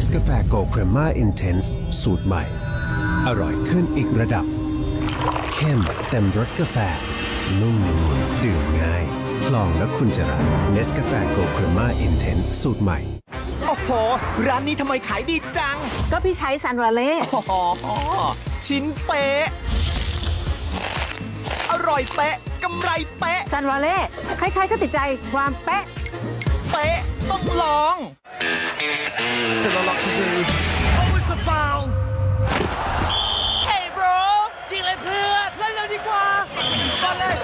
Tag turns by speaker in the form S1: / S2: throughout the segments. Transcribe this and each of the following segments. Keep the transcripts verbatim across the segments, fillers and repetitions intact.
S1: Nescafe Gold Crema Intense สูตรใหม่ อร่อยขึ้นอีกระดับ เข้มเต็มรสกาแฟ นุ่มละมุนดื่มง่าย ลองแล้วคุณจะรัก Nescafe Gold Crema Intense สูตรใหม่
S2: โอ้โห ร้านนี้ทำไมขายดีจัง
S3: ก็พี่ใช้ซันวาเล่
S2: โอ้โหชิ้นเป๊ะ อร่อยเป๊ะ กำไรเป๊ะ
S3: ซันวาเล่ใครๆก็ติดใจความเป๊ะ
S2: เป๊ะ ต้องลอง Still a lot to do Oh it's a foul Hey bro ยิงเลยเพื่อนเล่นเร็วดีกว่าบอลเลย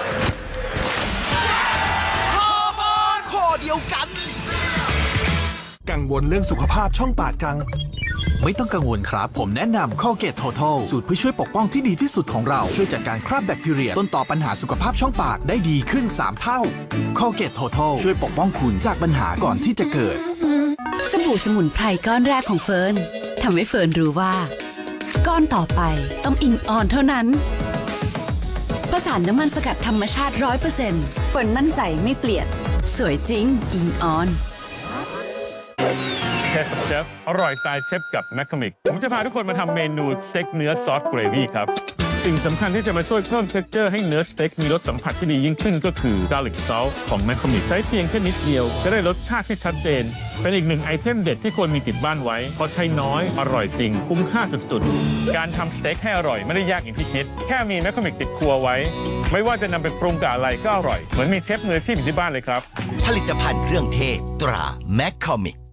S2: ฮอร์โมนข้อเดียวกัน
S4: กังวลเรื่องสุขภาพช่องปากจัง
S5: ไม่ต้องกังวลครับ ผมแนะนำ Colgate Total สูตรเพื่อช่วยปกป้องที่ดีที่สุดของเรา ช่วยจัดการคราบแบคทีเรียต้นต่อปัญหาสุขภาพช่องปากได้ดีขึ้น สาม เท่า Colgate Total ช่วยปกป้องคุณจากปัญหาก่อนที่จะเกิด
S6: สบู่สมุนไพรก้อนแรกของเฟิร์นทำให้เฟิร์นรู้ว่า ก้อนต่อไปต้องอิงออนเท่านั้นผสานน้ำมันสกัดธรรมชาติ ร้อยเปอร์เซ็นต์ เฟิร์นมั่นใจไม่เปลี่ยน สวยจริงอิงออน
S7: เทสเชฟอร่อยสไตล์เชฟกับแมคคามิกผมจะพาทุกคนมาทำเมนูสเต็กเนื้อซอสเกรวี่ครับ สิ่งสำคัญที่จะมาช่วยเพิ่มเท็กเจอร์ให้เนื้อสเต็กมีรสสัมผัสที่ดียิ่งขึ้นก็คือ garlic salt ของแมคคามิกใช้เพียงแค่นิดเดียวจะได้รสชาติที่ชัดเจน เป็นอีกหนึ่งไอเทมเด็ดที่ควรมีติดบ้านไว้เพราะใช้น้อยอร่อยจริงคุ้มค่าสุดๆการทำสเต็กให้อร่อยไม่ได้ยากอย่างที่คิดแค่มีแมคคามิกติดครัวไว้ไม่ว่าจะนำไปปรุงกับอะไรก็อร่อยเหมือนมีเชฟมืออาชีพอยู่ที่บ้านเลยครับ
S8: ผลิตภัณฑ์เครื่องเทศตราแมคคอมิก